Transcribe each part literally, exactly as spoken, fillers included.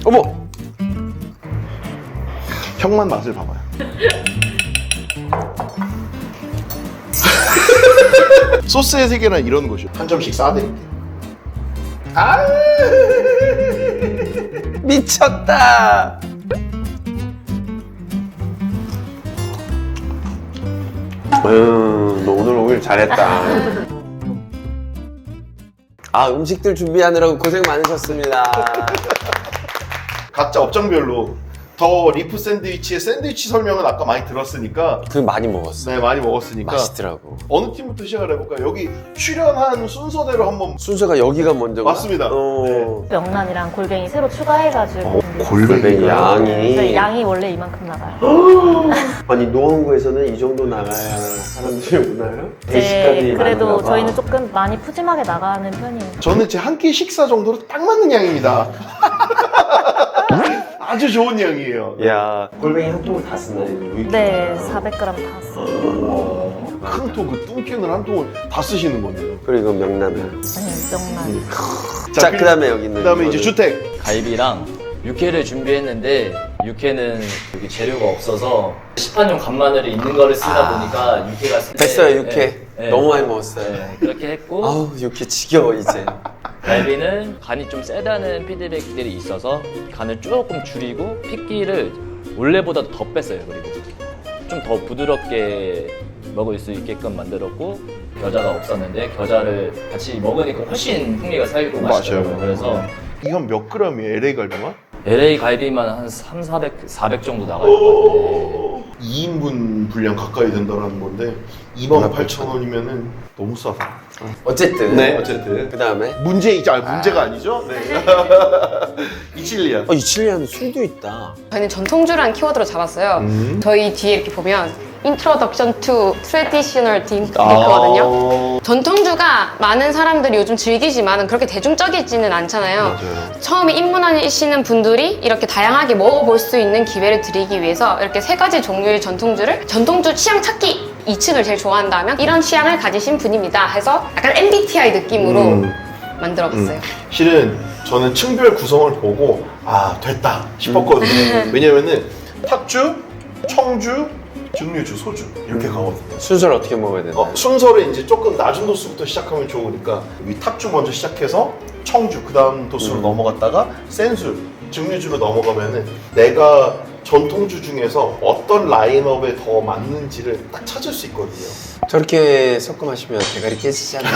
어머! 형만 맛을 봐봐요. 소스의 세계란 이런 것이요. 한 점씩 싸드릴게요. 아 미쳤다! 음, 너 오늘 오길 잘했다. 아, 음식들 준비하느라고 고생 많으셨습니다. 각자 업종별로 더 리프 샌드위치의 샌드위치 설명은 아까 많이 들었으니까 그 많이 먹었어. 네 많이 먹었으니까 맛있더라고. 어느 팀부터 시작을 해볼까요? 여기 출연한 순서대로 한번 순서가 여기가 먼저가? 맞습니다. 어. 명란이랑 골뱅이 새로 추가해가지고 어, 준비했어요. 골뱅이 양이. 네, 양이 원래 이만큼 나가요. 아니, 노원구에서는 이 정도 나가야 사람들이 오나요? 대식가들이 네, 그래도 많은가 봐. 저희는 조금 많이 푸짐하게 나가는 편이에요. 저는 제 한 끼 식사 정도로 딱 맞는 양입니다. 아주 좋은 양이에요. 야, 골뱅이 한 통을 다 쓰나요? 네, 사백 그램 다 써요. 큰 통 그 뚱기는 한 통을 다 쓰시는 거네요. 그리고 명란을. 네, 명란. 자, 그 다음에 여기는. 그 다음에 이제 이거는- 주택. 갈비랑 육회를 준비했는데 육회는 여기 재료가 없어서 시판용 간마늘이 있는 거를 쓰다 보니까 육회가 쓸 때- 됐어요, 육회. 네, 네. 너무 많이 먹었어요. 네, 그렇게 했고 아우, 육회 지겨워, 이제. 갈비는 간이 좀 세다는 피드백들이 있어서 간을 조금 줄이고 핏기를 원래보다 더 뺐어요. 그리고 좀 더 부드럽게 먹을 수 있게끔 만들었고 겨자가 없었는데 겨자를 같이 먹으니까 훨씬 풍미가 살고 맛있더라고요. 맞아요. 그래서 이건 몇 그램이에요? 엘에이 갈비만? 엘에이 갈비만 한 삼, 사백, 사백 정도 나갈 것 같은데 이 인분 분량 가까이 된다는 건데 이만 팔천 원이면은 너무 싸다. 어쨌든. 네, 어쨌든. 그 다음에. 문제, 이제 아, 문제가 아니죠? 네. 이칠리아. 어, 이칠리아는 술도 있다. 저희는 전통주라는 키워드로 잡았어요. 음. 저희 뒤에 이렇게 보면 Introduction to Traditional Drink 이렇게 아. 있거든요. 전통주가 많은 사람들이 요즘 즐기지만 그렇게 대중적이지는 않잖아요. 맞아요. 처음에 입문하시는 분들이 이렇게 다양하게 먹어볼 수 있는 기회를 드리기 위해서 이렇게 세 가지 종류의 전통주를 전통주 취향 찾기 이 층을 제일 좋아한다면 이런 취향을 가지신 분입니다 해서 약간 엠비티아이 느낌으로 음. 만들어봤어요. 실은 저는 층별 구성을 보고 아 됐다 싶었거든요. 왜냐면은 탁주, 청주, 증류주, 소주 이렇게 가거든요. 순서를 어떻게 먹어야 되나? 어, 순서를 이제 조금 낮은 도수부터 시작하면 좋으니까 이 탁주 먼저 시작해서 청주 그 다음 도수로 음. 넘어갔다가 센술, 증류주로 넘어가면은 내가 전통주 중에서 어떤 라인업에 더 맞는지를 딱 찾을 수 있거든요. 저렇게 섞어 마시면 대가리 깨지잖아요.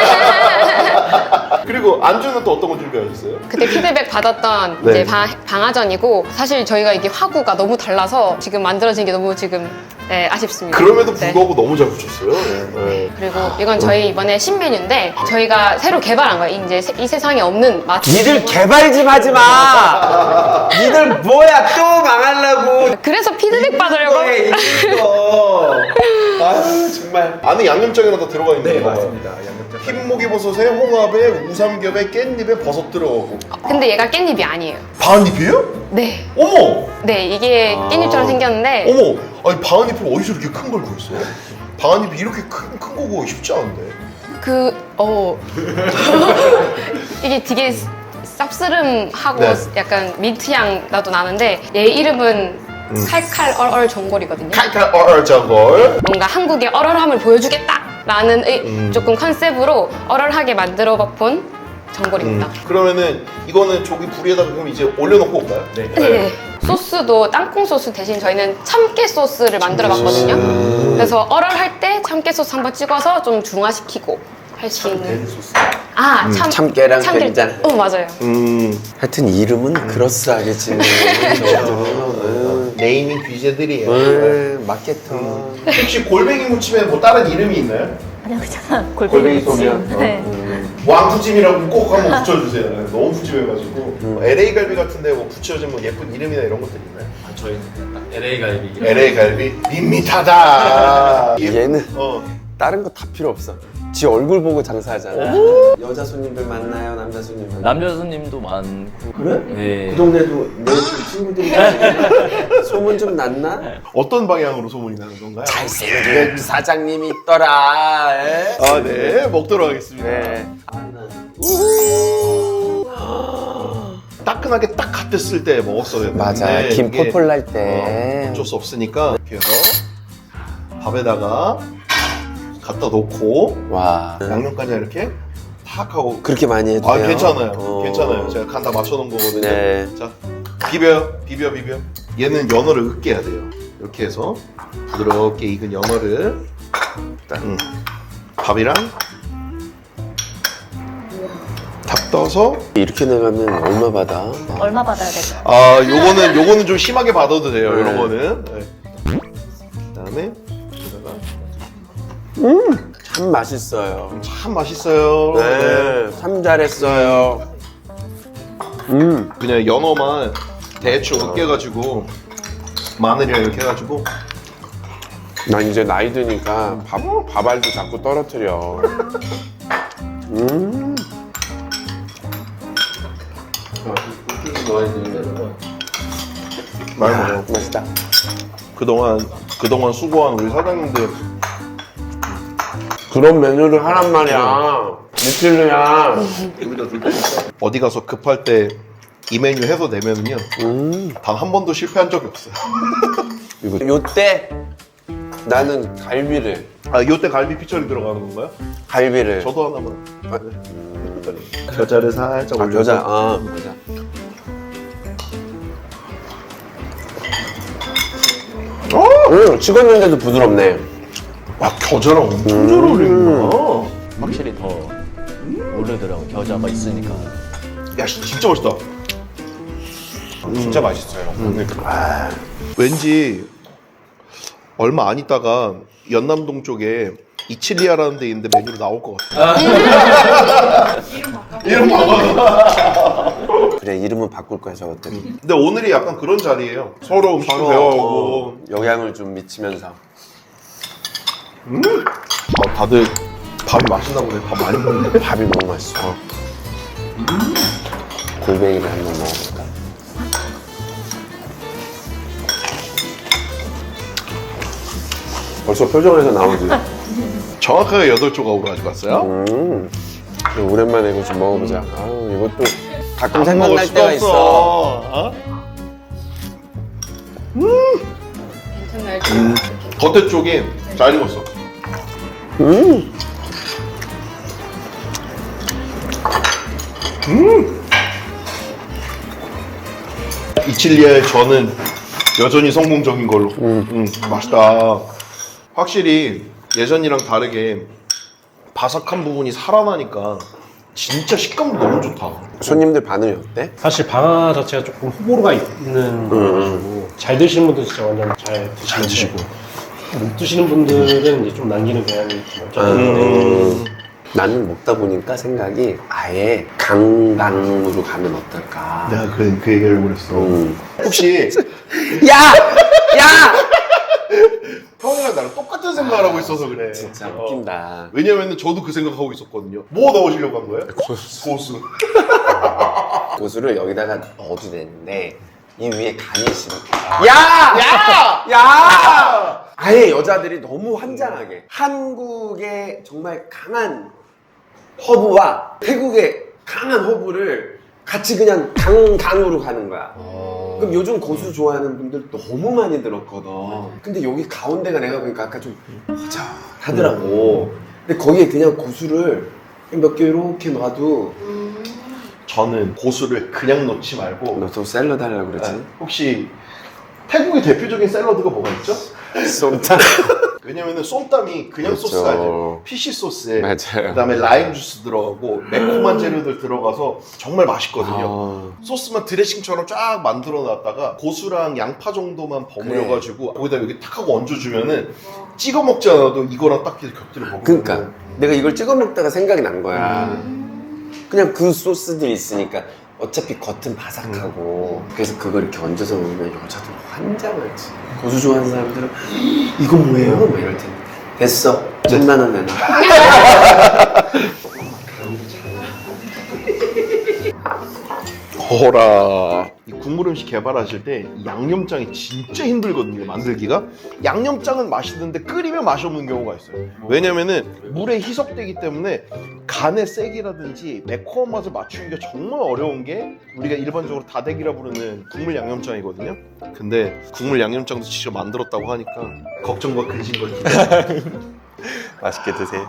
그리고 안주는 또 어떤 거 준비하셨어요? 그때 피드백 받았던 네. 이제 방, 방아전이고 사실 저희가 이게 화구가 너무 달라서 지금 만들어진 게 너무 지금 네, 아쉽습니다. 그럼에도 네. 불구하고 너무 잘 붙였어요. 네. 네. 그리고 이건 저희 이번에 신메뉴인데 저희가 새로 개발한 거예요. 이제 세- 이 세상에 없는 맛. 니들 개발 좀 하지 마! 니들 뭐야, 또 망하려고! 그래서 피드백 받으려고. 왜 이거? 아유, 정말. 안에 양념장이나 다 들어가 있는 네, 거 맞습니다. 양념장. 흰목이버섯에 홍합에 우삼겹에 깻잎에 버섯 들어가고 근데 얘가 깻잎이 아니에요. 바은잎이에요? 네. 어머! 네, 이게 아. 깻잎처럼 생겼는데 어머! 아니 바은잎을 어디서 이렇게 큰 걸 구했어요? 바은잎이 이렇게 큰, 큰 거고 쉽지 않은데 그, 어. 이게 되게 쌉스름하고 네. 약간 민트향 나도 나는데 얘 이름은 음. 칼칼 얼얼 전골이거든요. 칼칼 얼얼전골 뭔가 한국의 얼얼함을 보여주겠다라는 의- 음. 조금 컨셉으로 얼얼하게 만들어 본 전골입니다. 음. 그러면은 이거는 저기 불에다가 그럼 이제 올려놓고 올까요? 네. 네. 소스도 땅콩 소스 대신 저희는 참깨 소스를 만들어 봤거든요. 음. 그래서 얼얼할 때 참깨 소스 한번 찍어서 좀 중화시키고 할 수 있는. 소스 아, 참, 참깨랑 참깨- 된장. 어, 맞아요. 음. 하여튼 이름은 그럴싸하게 짓는 음. 네이밍 귀재들이에요. 음, 맞겠다. 혹시 골뱅이 무침에 뭐 다른 이름이 있나요? 아니요, 그냥 골뱅이 골뱅이 소면? 무침. 네. 왕푸짐이라고 꼭 한번 붙여주세요. 너무 푸짐해가지고 뭐 엘에이 갈비 같은데 뭐 붙여진 뭐 예쁜 이름이나 이런 것들 있나요? 아, 저희는 엘에이 갈비 엘에이 갈비 밋밋하다. 얘는 어. 다른 거 다 필요 없어. 지 얼굴 보고 장사하잖아. 여자 손님들 만나요, 남자 손님 만나요. 남자 손님도 많고 그래? 네. 그 동네도 내 친구들이 소문 좀 났나? 어떤 방향으로 소문이 나는 건가요? 잘생긴 사장님이 있더라. 에? 아, 네. 먹도록 하겠습니다. 네. 따끈하게 딱 갓됐을 때 먹었어야 되는데 맞아. 김 이게 펄펄 날 때. 어, 어쩔 수 없으니까 이렇게 해서 밥에다가 갖다 놓고 와. 양념간장 이렇게 탁 하고 그렇게 많이 해도 아 돼요? 괜찮아요 어. 괜찮아요 제가 간 다 맞춰놓은 거거든요. 네. 자 비벼요 비벼 비벼 얘는 연어를 으깨야 돼요. 이렇게 해서 부드럽게 익은 연어를 음, 밥이랑 탁 떠서 이렇게 나가면 얼마 받아? 얼마 받아야 되죠? 아 요거는 요거는 좀 심하게 받아도 돼요. 네. 이런 거는 네. 그다음에 여기다가 참 맛있어요. 참 맛있어요. 네. 네, 참 잘했어요. 음, 그냥 연어만 대충 으깨가지고 마늘이랑 이렇게 해가지고 난 이제 나이 드니까 밥, 밥알도 자꾸 떨어뜨려. 음. 많이 야, 먹어요. 맛있다. 그동안 그동안 수고한 우리 사장님들 그런 메뉴를 하란 말이야. 미칠루야. 어디 가서 급할 때 이 메뉴 해서 내면은요 음. 단 한 번도 실패한 적이 없어요. 이거 요때 나는 갈비를 아 요때 갈비 피처리 들어가는 건가요? 갈비를 저도 하나만. 아, 네. 겨자를 살짝 아, 올려서. 겨자. 아, 겨자. 음, 식었는데도 부드럽네. 와 겨자랑 엄청 잘 어울리는구나. 확실히 더 오르더라고 겨자가 있으니까. 야 씨, 진짜 맛있다. 진짜 맛있어요. 아, 왠지 얼마 안 있다가 연남동 쪽에 이칠리아라는 데 있는데 메뉴로 나올 것 같아. 이름 바꿔. 그래, 이름은 바꿀 거야, 저것들이. 근데 오늘이 약간 그런 자리예요. 서로 음식 서로, 배워오고. 어, 영향을 좀 미치면서. 아, 다들 밥이 맛있나 보네. 밥 많이 먹네. 밥이 너무 맛있어. 골뱅이를 한번 먹어볼까? 벌써 표정에서 나오지? 정확하게 여덟 조각으로 가져갔어요. 음, 오랜만에 이거 좀 먹어보자. 아우, 이것도 가끔 안 먹을 생각날 수가 때가 있어. 어? 괜찮나요? 음, 겉에 쪽이 잘 익었어. 음, 이칠리아의 저는 여전히 성공적인 걸로. 음, 맛있다. 확실히 예전이랑 다르게 바삭한 부분이 살아나니까 진짜 식감도 너무 좋다. 손님들 반응이 어때? 사실 방아 자체가 조금 호불호가 있는 거라가지고 잘 드시는 분들 진짜 완전 잘 드시고, 잘 드시고. 못 드시는 분들은 이제 좀 남기는 경향이 좀 없잖아요. 음, 나는 먹다 보니까 생각이 아예 강강으로 가면 어떨까? 내가 그, 그 얘기를 그랬어. 음. 혹시 야! 야! 형이랑 나랑 똑같은 생각을 하고 있어서 그래. 진짜 어. 웃긴다. 왜냐면은 저도 그 생각하고 있었거든요. 뭐 넣으시려고 한 거예요? 고수. 고수를 여기다가 넣어도 되는데 이 위에 간이 싫어. 야! 야! 야! 아예 여자들이 너무 환장하게 한국의 정말 강한 허브와 태국의 강한 허브를 같이 그냥 강강으로 가는 거야. 그럼 요즘 고수 좋아하는 분들 너무 많이 들었거든. 근데 여기 가운데가 내가 보니까 아까 좀 허전하더라고. 근데 거기에 그냥 고수를 몇 개 이렇게 놔도 저는 고수를 그냥 넣지 말고 너 또 샐러드 하려고 그러지? 아, 혹시 태국의 대표적인 샐러드가 뭐가 있죠? 쏨땀. 왜냐면은 쏨땀이 그냥 그렇죠. 소스가 아니에요. 피쉬 소스에 맞아요. 그다음에 라임 주스 들어가고 매콤한 재료들 들어가서 정말 맛있거든요. 아, 소스만 드레싱처럼 쫙 만들어 놨다가 고수랑 양파 정도만 버무려가지고 거기다 여기 탁 하고 얹어주면은 찍어 먹지 않아도 이거랑 딱 이렇게 곁들여 먹으면 그러니까 내가 이걸 찍어 먹다가 생각이 난 거야. 그냥 그 소스들이 있으니까 어차피 겉은 바삭하고 그래서 그걸 이렇게 얹어서 먹으면 여자들 환장하지. 고수 좋아하는 사람들은 이거 뭐예요? 막 이럴 텐데. 됐어. 천만 원 내놔. 어라. 이 국물 음식 개발하실 때 양념장이 진짜 힘들거든요, 만들기가. 양념장은 맛있는데 끓이면 맛이 없는 경우가 있어요. 왜냐면은 물에 희석되기 때문에 간의 세기라든지 매콤한 맛을 맞추기가 정말 어려운 게 우리가 일반적으로 다대기라 부르는 국물 양념장이거든요. 근데 국물 양념장도 직접 만들었다고 하니까 걱정과 근심과 기대. 맛있게 드세요.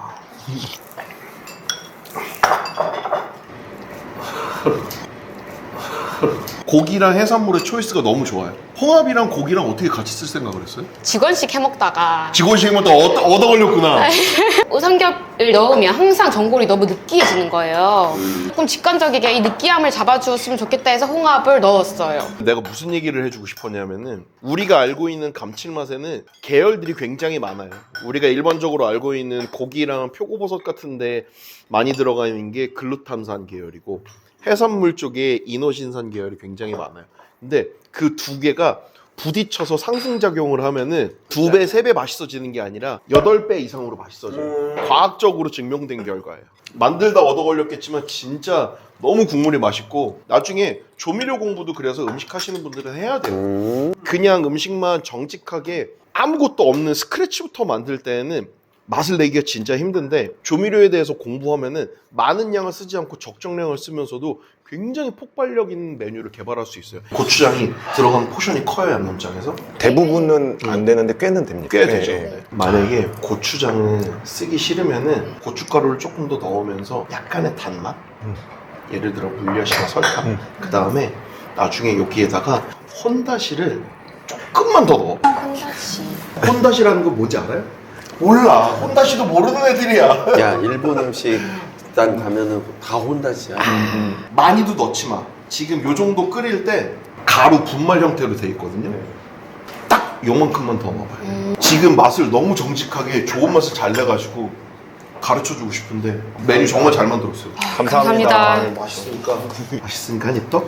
고기랑 해산물의 초이스가 너무 좋아요. 홍합이랑 고기랑 어떻게 같이 쓸 생각을 했어요? 직원식 해먹다가 직원식부터 얻어, 얻어 걸렸구나. 우삼겹을 넣으면 항상 전골이 너무 느끼해지는 거예요. 조금 직관적이게 이 느끼함을 잡아주었으면 좋겠다 해서 홍합을 넣었어요. 내가 무슨 얘기를 해주고 싶었냐면은 우리가 알고 있는 감칠맛에는 계열들이 굉장히 많아요. 우리가 일반적으로 알고 있는 고기랑 표고버섯 같은데 많이 들어가 있는 게 글루탄산 계열이고 해산물 쪽에 이노신산 계열이 굉장히 많아요. 근데 그 두 개가 부딪혀서 상승작용을 하면은 두 배, 세 배 맛있어지는 게 아니라 여덟 배 이상으로 맛있어져요. 과학적으로 증명된 결과예요. 만들다 얻어 걸렸겠지만 진짜 너무 국물이 맛있고 나중에 조미료 공부도 그래서 음식 하시는 분들은 해야 돼요. 그냥 음식만 정직하게 아무것도 없는 스크래치부터 만들 때는 맛을 내기가 진짜 힘든데 조미료에 대해서 공부하면은 많은 양을 쓰지 않고 적정량을 쓰면서도 굉장히 폭발력 있는 메뉴를 개발할 수 있어요. 고추장이 들어가는 포션이 커요, 양념장에서. 대부분은 안 되는데 꽤는 됩니다. 꽤 네. 되죠. 네. 만약에 고추장을 쓰기 싫으면은 고춧가루를 조금 더 넣으면서 약간의 단맛, 예를 들어 물엿이나 설탕, 그 다음에 나중에 여기에다가 혼다시를 조금만 더 넣어. 혼다시. 혼다시라는 거 뭔지 알아요? 몰라. 혼다시도 모르는 애들이야. 야, 일본 음식 단 가면은 다 혼다시야. 많이도 넣지 마. 지금 요 정도 끓일 때 가루 분말 형태로 돼 있거든요. 딱 요만큼만 더 넣어봐요. 지금 맛을 너무 정직하게 좋은 맛을 잘 내가지고 가르쳐주고 싶은데 메뉴 정말 잘 만들었어요. 감사합니다. 아, 맛있으니까 맛있으니까 한 입 더?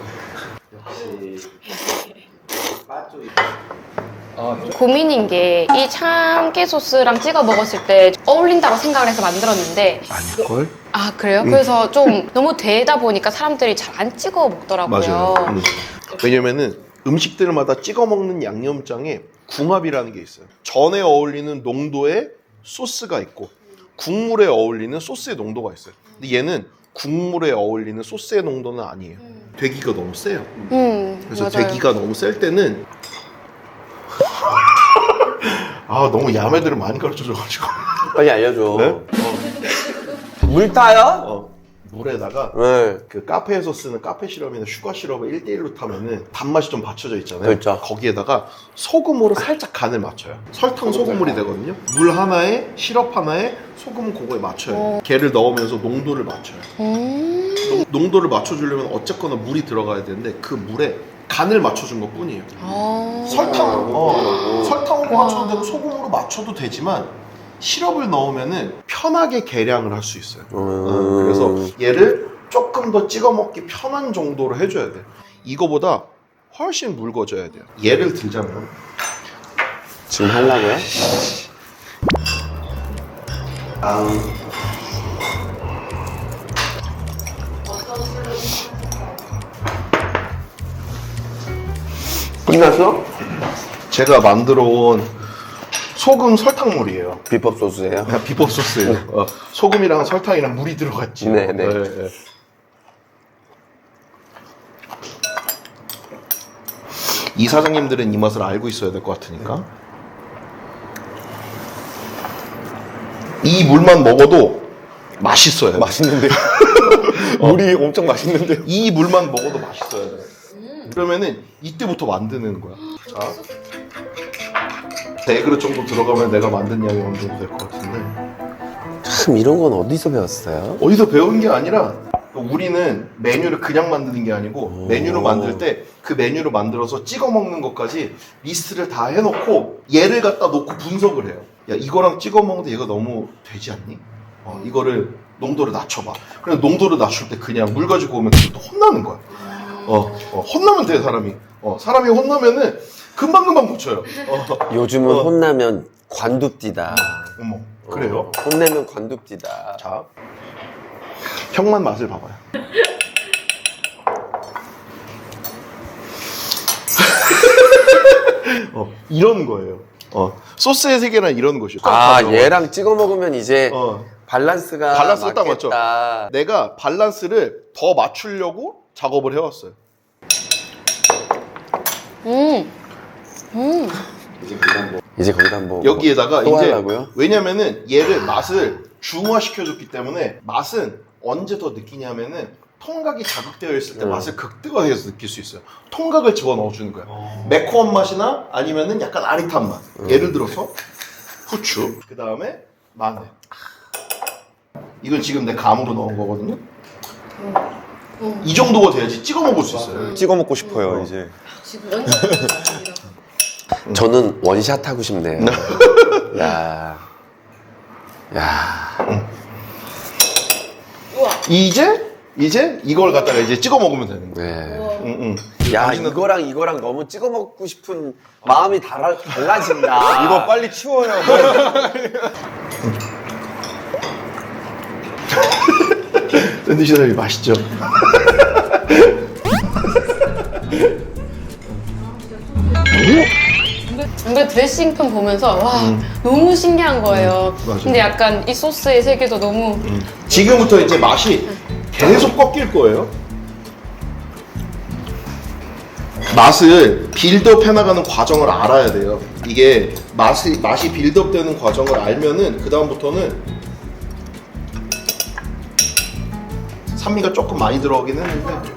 고민인 게 이 참깨 소스랑 찍어 먹었을 때 어울린다고 생각을 해서 만들었는데 아닐걸? 아 그래요? 그래서 좀 너무 되다 보니까 사람들이 잘 안 찍어 먹더라고요. 맞아요. 음. 왜냐면은 음식들마다 찍어 먹는 양념장에 궁합이라는 게 있어요. 전에 어울리는 농도의 소스가 있고 국물에 어울리는 소스의 농도가 있어요. 근데 얘는 국물에 어울리는 소스의 농도는 아니에요. 되기가 너무 세요. 음, 그래서 맞아요. 되기가 너무 셀 때는 아 너무 야매들을 많이 가르쳐줘가지고 빨리 알려줘. 네? 물 타요? 어, 물에다가 네. 그 카페에서 쓰는 카페 시럽이나 슈가 시럽을 일 대 일로 타면은 단맛이 좀 받쳐져 있잖아요. 그렇죠. 거기에다가 소금으로 살짝 간을 맞춰요. 설탕 소금물이 되거든요. 물 하나에 시럽 하나에 소금 그거에 맞춰요. 걔를 넣으면서 농도를 맞춰요. 음. 농- 농도를 맞춰주려면 어쨌거나 물이 들어가야 되는데 그 물에 간을 맞춰준 것 뿐이에요. 아. 설탕, 어, 설탕으로 와. 맞춰도 되고 소금으로 맞춰도 되지만 시럽을 넣으면은 편하게 계량을 할 수 있어요. 어, 음. 그래서 얘를 조금 더 찍어 먹기 편한 정도로 해줘야 돼. 이거보다 훨씬 묽어져야 돼요. 예를 들자면 지금 하려고요? 아, 끝났어? 제가 만들어 온 소금 설탕물이에요. 비법 소스예요? 그냥 비법 소스예요. 어, 소금이랑 설탕이랑 물이 들어갔지. 네, 네. 네. 이 사장님들은 이 맛을 알고 있어야 될 것 같으니까 이 물만 먹어도 맛있어요. 맛있는데. 물이 엄청 맛있는데. 이 물만 먹어도 맛있어야 돼. 그러면은 이때부터 만드는 거야. 자, 네 그릇 정도 들어가면 내가 만든 양이 어느 정도 될 것 같은데 참 이런 건 어디서 배웠어요? 어디서 배운 게 아니라 우리는 메뉴를 그냥 만드는 게 아니고 오. 메뉴를 만들 때 그 메뉴를 만들어서 찍어 먹는 것까지 리스트를 다 해놓고 얘를 갖다 놓고 분석을 해요. 야 이거랑 찍어 먹는데 얘가 너무 되지 않니? 어, 이거를 농도를 낮춰봐. 그래서 농도를 낮출 때 그냥 물 가지고 오면 또 혼나는 거야. 어, 어, 혼나면 돼 사람이. 어, 사람이 혼나면은 금방금방 고쳐요. 어, 요즘은 어. 혼나면 관둡디다. 어머 그래요? 어, 혼내면 관둡디다. 자 형만 맛을 봐봐요. 어, 이런 거예요. 어, 소스의 세계란 이런 것이요. 아, 얘랑 찍어 먹으면 이제 어. 밸런스가 밸런스 딱 맞죠? 맞겠다. 내가 밸런스를 더 맞추려고 작업을 해왔어요. 음. 음. 이제 거기다 뭐 이제 거기다 뭐 여기에다가 또 이제 하려고요? 왜냐면은 얘를 맛을 중화시켜줬기 때문에 맛은 언제 더 느끼냐면은 통각이 자극되어 있을 때 음. 맛을 극대화해서 느낄 수 있어요. 통각을 집어넣어주는 거야. 매콤한 맛이나 아니면은 약간 아릿한 맛. 음. 예를 들어서 후추, 그 다음에 마늘. 이건 지금 내 감으로 넣은 거거든요. 이 정도가 돼야지 찍어 먹을 수 있어요. 찍어 먹고 싶어요 이제. 지금 완전 저는 원샷 하고 싶네요. 야, 야, 이제 이제 이걸 갖다가 이제 찍어 먹으면 되는 거예요. 네. 응, 응. 야, 당신은 이거랑 이거랑 너무 찍어 먹고 싶은 마음이 달라, 달라진다. 이거 빨리 치워요. 샌드위치 사장님 맛있죠? 근데 드레싱판 보면서 와 너무 신기한 거예요. 맞아. 근데 약간 이 소스의 세계도 너무 지금부터 이제 맛이 계속 꺾일 거예요. 맛을 빌드업 해나가는 과정을 알아야 돼요. 이게 맛이, 맛이 빌드업 되는 과정을 알면은 그 다음부터는 산미가 조금 많이 들어가긴 했는데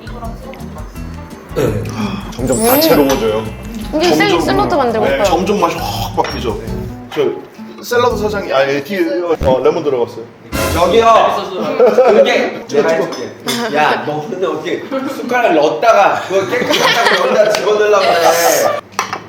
점점 다채로워져요. 이게 샐- 샐러드 만들고 네, 싶어요. 점점 맛이 확 바뀌죠. 저 샐러드 사장이 아예 뒤에 어, 레몬 들어갔어요. 저기요. 그게 내가 해줄게. 야, 너 근데 어떻게 숟가락을 넣었다가 그걸 깨끗하게 여기다 집어넣으려고 그래.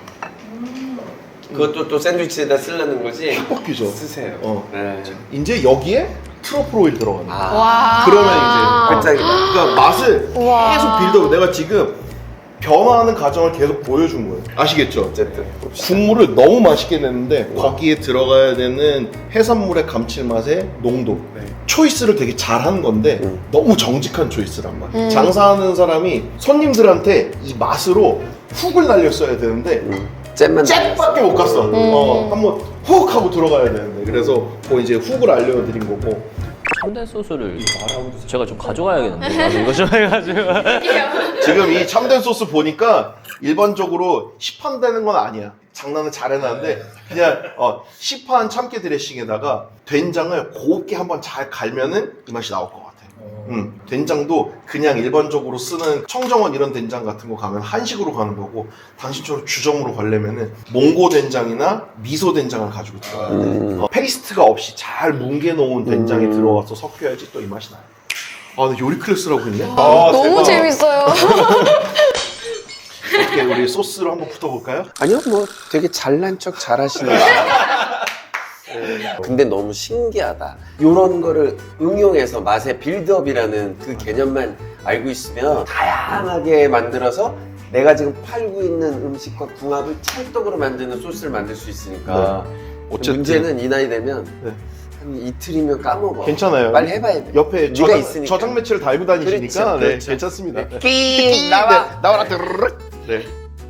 그것도 또 샌드위치에다 쓰려는 거지? 확 바뀌죠. 쓰세요. 어. 네. 이제 여기에 트러플 오일 들어가는 거예요. 아, 와. 그러면 이제 끝장이다. 그러니까 맛을 우와. 계속 빌드업. 내가 지금 변화하는 과정을 계속 보여준 거예요. 아시겠죠? 어쨌든. 국물을 너무 맛있게 냈는데 거기에 들어가야 되는 해산물의 감칠맛의 농도 초이스를 되게 잘한 건데 음. 너무 정직한 초이스란 말이에요. 장사하는 사람이 손님들한테 이 맛으로 훅을 날렸어야 되는데 음. 잼만 잽밖에 못 갔어. 어, 한번 훅 하고 들어가야 되는데 그래서 뭐 이제 훅을 알려드린 거고. 참된 소스를 제가 좀 가져가야겠는데 나도 이거 좀 해가지고 지금 이 참된 소스 보니까 일반적으로 시판되는 건 아니야. 장난을 잘 해놨는데 그냥 어, 시판 참깨 드레싱에다가 된장을 곱게 한번 잘 갈면은 이 맛이 나올 것 같아. 음, 된장도 그냥 일반적으로 쓰는 청정원 이런 된장 같은 거 가면 한식으로 가는 거고 당신처럼 주정으로 가려면은 몽고 된장이나 미소 된장을 가지고 들어가야 돼. 음. 어, 페이스트가 없이 잘 뭉개 놓은 된장이 음. 들어가서 섞여야지 또 이 맛이 나요. 아, 근데 요리 클래스라고 했네? 너무 재밌어요. 어떻게 우리 소스로 한번 붙어볼까요? 아니요, 뭐 되게 잘난 척 잘하시는 거. 네. 근데 너무 신기하다. 이런 거를 응용해서 맛의 빌드업이라는 그 개념만 알고 있으면 다양하게 만들어서 내가 지금 팔고 있는 음식과 궁합을 찰떡으로 만드는 소스를 만들 수 있으니까. 어쨌든. 문제는 이 나이 되면 네. 한 이틀이면 까먹어. 괜찮아요. 빨리 해봐야 돼. 옆에 네가 저장, 있으니까. 저장 매치를 달고 다니시니까 그렇죠, 네, 그렇죠. 괜찮습니다. 네. 끼 나와. 네, 나와라. 드르륵. 네.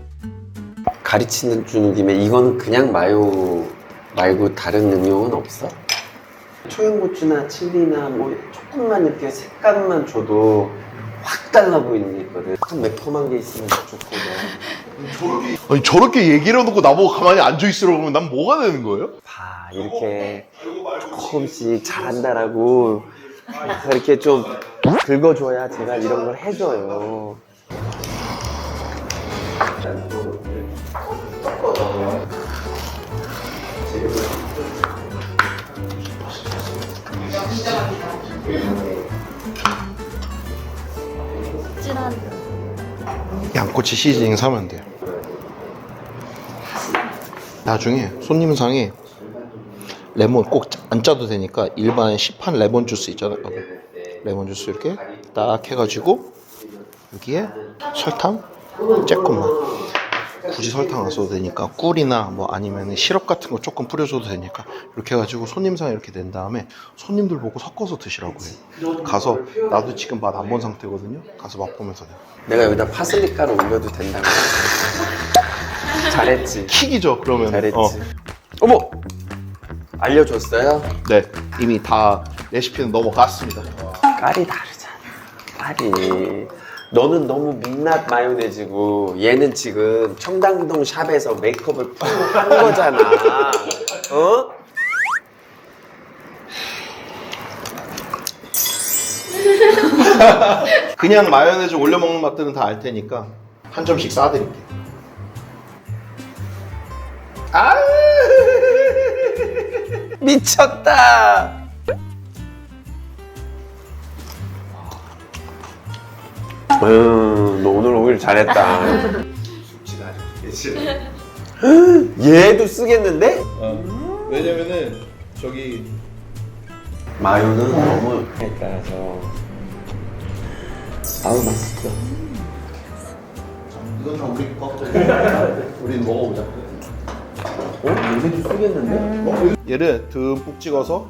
가르치는 주는 김에 이거는 그냥 마요 말고 다른 응용은 없어? 초양고추나 칠리나 뭐 조금만 이렇게 색감만 줘도 확 달라 보이는 게 있거든. 약간 매콤한 게 있으면 좋거든. 아니 저렇게 얘기를 해놓고 나보고 가만히 앉아있으라고 하면 난 뭐가 되는 거예요? 봐, 이렇게 조금씩 잘한다라고 이렇게 좀 긁어줘야 제가 이런 걸 해줘요. 양꼬치 시즈닝 사면 돼요. 나중에 손님상에 레몬 꼭 안 짜도 되니까 일반 시판 레몬 주스 있잖아요. 레몬 주스 이렇게 딱 해가지고 여기에 설탕 조금만, 굳이 설탕 안 써도 되니까 꿀이나 뭐 아니면 시럽 같은 거 조금 뿌려줘도 되니까 이렇게 해가지고 손님상에 이렇게 낸 다음에 손님들 보고 섞어서 드시라고 해요. 가서 나도 지금 맛 안 본 상태거든요. 가서 맛보면서 돼요. 내가 여기다 파슬리 가루 올려도 된다고. 잘했지. 킥이죠 그러면. 잘했지. 어. 어머! 알려줬어요? 네 이미 다 레시피는 넘어갔습니다. 깔이 다르잖아. 깔이. 너는 너무 민낯 마요네즈고 얘는 지금 청담동 샵에서 메이크업을 푹 한 거잖아. 어? 그냥 마요네즈 올려 먹는 맛들은 다 알 테니까 한 점씩 싸드릴게요. 아 미쳤다. 음, 너 오늘 오길 잘했다. 얘도 쓰겠는데? 어. 왜냐면은 저기 마요는 너무 따라서 아우 맛있어. 이건 다 우리 거. 우린 먹어보자. 어? 얘도 쓰겠는데? 얘를 듬뿍 찍어서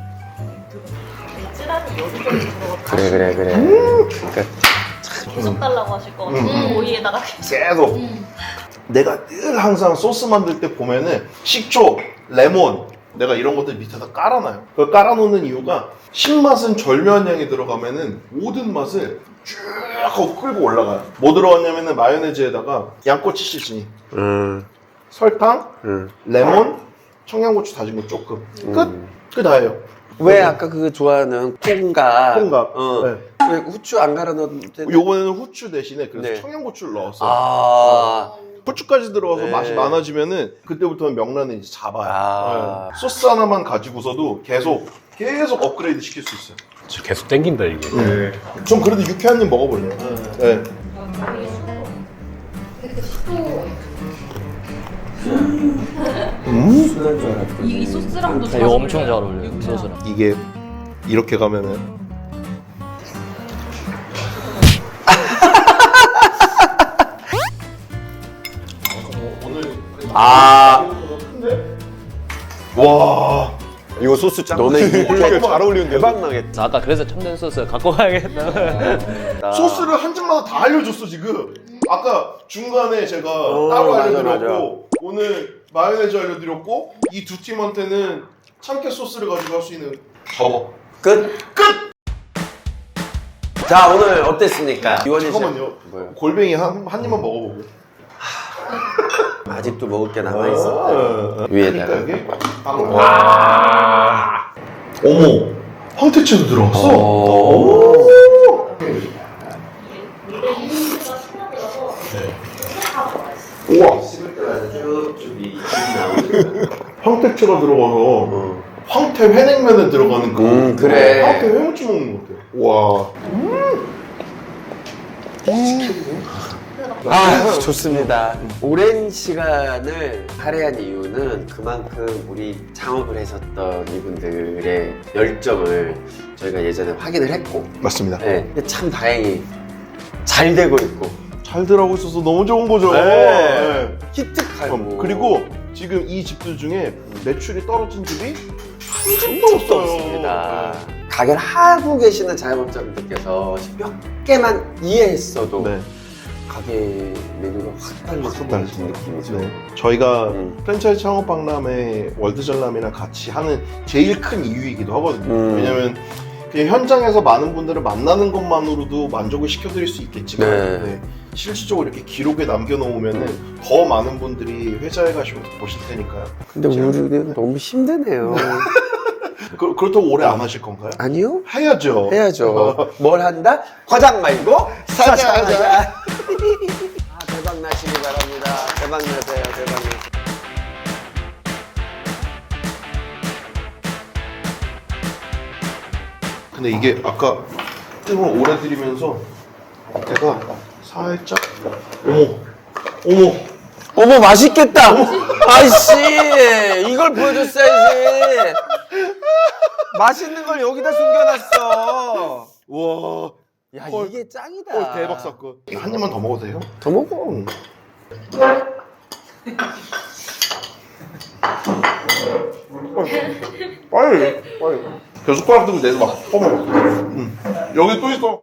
그래 그래 그래. 그러니까 계속 달라고 하실 것 같아요. 오이에다가 계속 내가 늘 항상 소스 만들 때 보면은 식초, 레몬 내가 이런 것들 밑에다 깔아놔요. 그걸 깔아놓는 이유가 신맛은 절묘한 양이 들어가면은 모든 맛을 쭉 하고 끌고 올라가요. 뭐 들어갔냐면은 마요네즈에다가 양꼬치 시즈닝, 음, 설탕, 음. 레몬, 청양고추 다진 거 조금 끝! 그 다예요. 왜 아까 그 좋아하는 콩갑? 콩갑. 어. 네. 왜 후추 안 갈아 넣었는데? 요번에는 후추 대신에 그래서 네. 청양고추를 넣었어요. 아, 후추까지 들어가서 네. 맛이 많아지면은 그때부터는 명란을 이제 잡아요. 아. 네. 소스 하나만 가지고서도 계속 계속 업그레이드 시킬 수 있어요. 진짜 계속 땡긴다 이게. 좀 그래도 유쾌한 님 먹어볼래요. 네. 순한 줄 알았더니. 이 소스랑도 잘 이거 엄청 잘 어울려요. 어울려요 소스랑. 이게 이렇게 가면은 아, 와 이거 소스 짱. 너네 이거 이렇게 잘 어울리는데. 대박 나겠다. 아까 그래서 첨단 소스 갖고 가야겠다. 소스를 한 장마다 다 알려줬어 지금. 아까 중간에 제가 어, 따로 맞아, 알려드렸고 오늘 마요네즈 알려드렸고 이 두 팀한테는 참깨 소스를 가지고 할 수 있는 저거 끝. 끝. 자, 오늘 어땠습니까? 이원희 씨. 잠깐만요. 뭐요? 골뱅이 한, 한 입만 먹어보고. 아직도 먹을 게 남아 있었다. 어, 위에다가. 그러니까 이게 빵. 와. 어머, 황태채도 들어갔어. 오. 우와, 씹을 때마다 쭉쭉 이 김이 나오는. 황태채가 들어가서 황태 회냉면에 들어가는 그 음, 그래. 황태 회무침 먹는 것 같아. 와. 아, 좋습니다. 오랜 시간을 할애한 이유는 그만큼 우리 창업을 하셨던 이분들의 열정을 저희가 예전에 확인을 했고, 맞습니다. 네, 근데 참 다행히 잘 되고 있고, 잘 들어가고 있어서 너무 좋은 거죠. 네. 네. 기특하고, 음, 그리고 지금 이 집들 중에 매출이 떨어진 집이 한 집도 또 없어요. 없습니다. 가게를 하고 계시는 자영업자분들께서 몇 개만 이해했어도 네. 가게 메뉴가 확 달라지는 달라지죠. 느낌이죠. 네. 저희가 음. 프랜차이즈 창업 박람회 월드전람이랑 같이 하는 제일 큰 이유이기도 하거든요. 음. 왜냐면 그냥 현장에서 많은 분들을 만나는 것만으로도 만족을 시켜드릴 수 있겠지만 네. 네. 실질적으로 이렇게 기록에 남겨놓으면 더 많은 분들이 회사에 가시고 보실 테니까요. 근데 우리는 너무 힘드네요. 그, 그렇다고 오래 안 하실 건가요? 아니요? 해야죠. 해야죠. 뭘 한다? 과장 말고 사장하자. 아, 대박 나시기 바랍니다. 대박 나세요. 대박 나세요. 근데 이게 아까 뜸을 오래 들이면서 내가 살짝 어머 어머 어머, 맛있겠다. 아이씨, 이걸 보여줬어야지. 맛있는 걸 여기다 숨겨놨어. 와 야, 헐. 이게 짱이다. 어, 대박 사건. 한 입만 더 먹어도 돼요? 더 먹어. 응. 빨리 빨리 벼숟가락 들고 내서 막 퍼먹어. 응. 여기 또 있어.